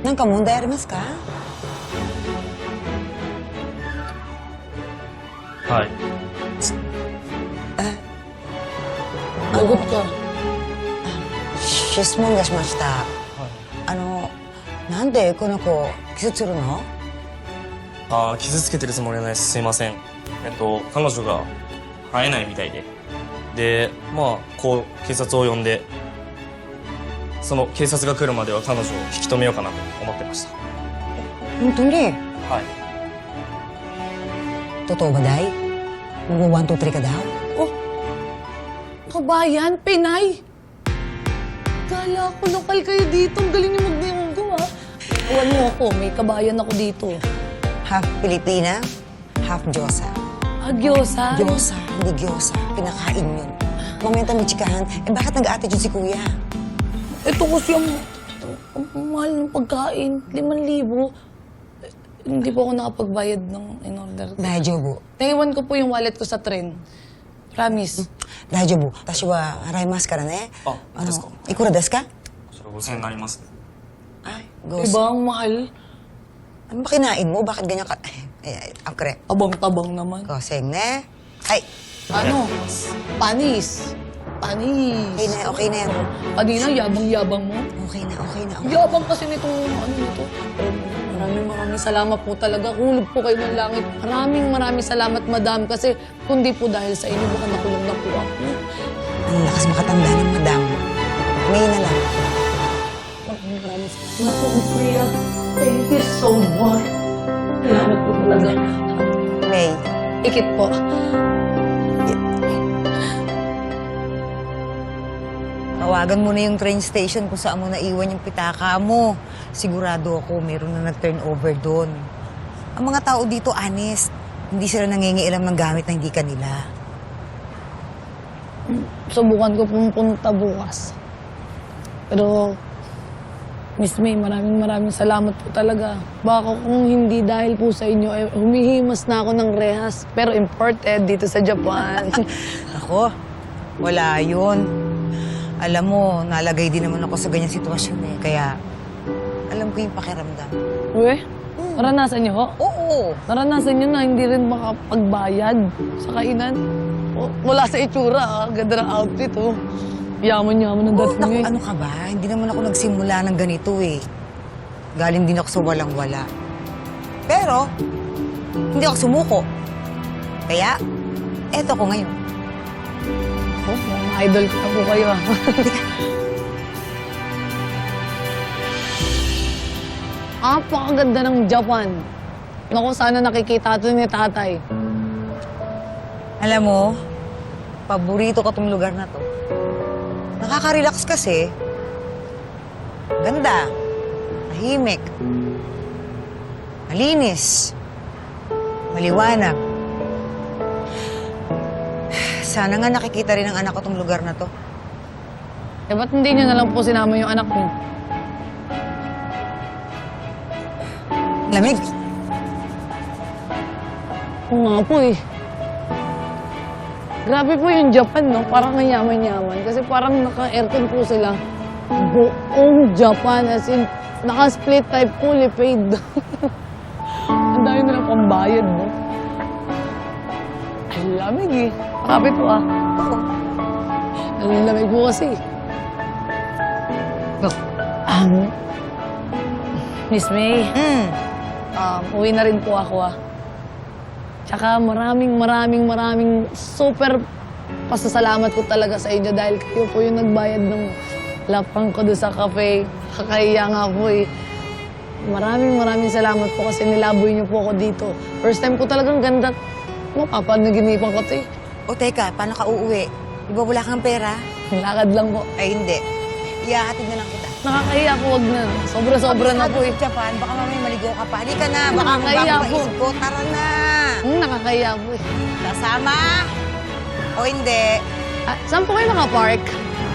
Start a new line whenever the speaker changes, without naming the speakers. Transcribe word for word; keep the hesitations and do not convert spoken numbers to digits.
なんか問題ありますか？
はい。
Lagot ka.
質問がしました。あの、なんでこの子、傷つるの？
ああ、傷つけてるつもりはないです。すいません。えっと、彼女が会えないみたいで。で、まあ、こう、警察を呼んで、その警察が来るまでは彼女を引き止めようかなと思ってました。
本当に？
はい。
Totoo ba, Day? Mag-one, two, three ka daw?
Oh, kabayan, Pinay. Kala ko lokal kayo dito. Ang galing niyo magniyonggo, ha? Iwan niyo ako. May kabayan ako dito.
Half Pilipina, half Diyosa.
Ah, Gyosa?
Diyosa, hindi Gyosa. Pinakain yun. Mamaya tayo may tsikahan. Eh, bakit nag-attitude si Kuya?
Ito kasi ang, ang, ang mahal ng pagkain. Liman libo. Eh, hindi po ako nakapagbayad ng in-order.
大丈夫。
Naiwan ko po yung wallet ko sa tren. Promise.
大丈夫。私は払いますからね。
あ
あ
ですか。
の、いくらですか？
それごせんえんになります。
Ay, Gos.
Diba ang mahal?
Ano ba kinain mo? Bakit ganyan ka? Eh, akre.
Abang-tabang naman.
Goseng, ne? Ay,
Ano? Panis. Panis.
okay na, okay na yan.
Kanina, yabang-yabang mo.
Okay na, okay na. Okay.
Yabang kasi nitong ano nito. Pero maraming maraming salamat po talaga. Hulog po kayo ng langit. Maraming maraming salamat, madam. Kasi kundi po dahil sa inyo, baka nakulong na po ako.
Ang lakas makatanda ng madam. May na lang.
Maraming maraming salamat po, Priya. Thank you so much. Salamat po talaga.
May.
Ikit po.
Tawagan mo na yung train station kung saan mo naiwan yung pitaka mo. Sigurado ako mayroon na nag-turnover doon. Ang mga tao dito, honest. Hindi sila nangingialam ng gamit na hindi kanila.
Subukan ko pong punta bukas. Pero, Miss May, maraming maraming salamat po talaga. Baka kung hindi dahil po sa inyo, eh, humihimas na ako ng rehas. Pero imported dito sa Japan.
Ako, wala yun. Alam mo, nalagay din naman ako sa ganyang sitwasyon eh. Kaya, alam ko yung pakiramdam.
Uwe, naranasan niyo ho?
Oo.
Naranasan niyo na hindi rin makapagbayad sa kainan? O, wala sa itsura, ah. Ganda ng outfit, oh. Yaman-yaman ng
Oh,
dating
naku,
eh.
ano ka ba? Hindi naman ako nagsimula ng ganito eh. Galing din ako sa walang-wala. Pero, hindi ako sumuko. Kaya, eto ko ngayon.
Oh, mga idol ko na po kayo, ah. Apakaganda ng Japan. Naku, sana nakikita ito ni tatay.
Alam mo, paborito ko tong lugar na to. Nakaka-relax kasi. Ganda. Tahimik. Malinis. Maliwanag. Sana nga nakikita rin ng anak ko tong lugar na to.
Eh, ba't hindi niyo na lang po sinama yung anak niyo?
Lamig.
Oo nga po eh. Grabe po yung Japan, no? Parang ang yaman-yaman. Kasi parang naka-aircon po sila. Buong Japan, as in, naka-split type, fully paid. Ang dami nilang pambayad, no? Ay, lamig eh. Kapit po ah. Ang lamig po kasi. Look, um, Miss May,
Mm.
um, uwi na rin po ako ah. Tsaka maraming maraming maraming super pasasalamat ko talaga sa inyo dahil kayo po yung nagbayad ng lapang ko doon sa cafe. Kakahiya nga po eh. Maraming maraming salamat po kasi nilaboy niyo po ako dito. First time ko talagang ganda. Mapapanaginipan ko to eh.
O teka, paano ka uuwi? Di ba wala kang pera?
Lakad lang po.
Ay, hindi. Iyahatid na lang kita.
Nakakahiya po, wag na. Sobra-sobra na po eh.
Sa Japan, baka mamaya maligo ka pa. Halika na, baka
Nakakahiya
magbago
po.
maisip ko. Tara na!
Hmm, nakakahiya po eh.
Kasama? O hindi?
Ah, saan po kayo nakapark?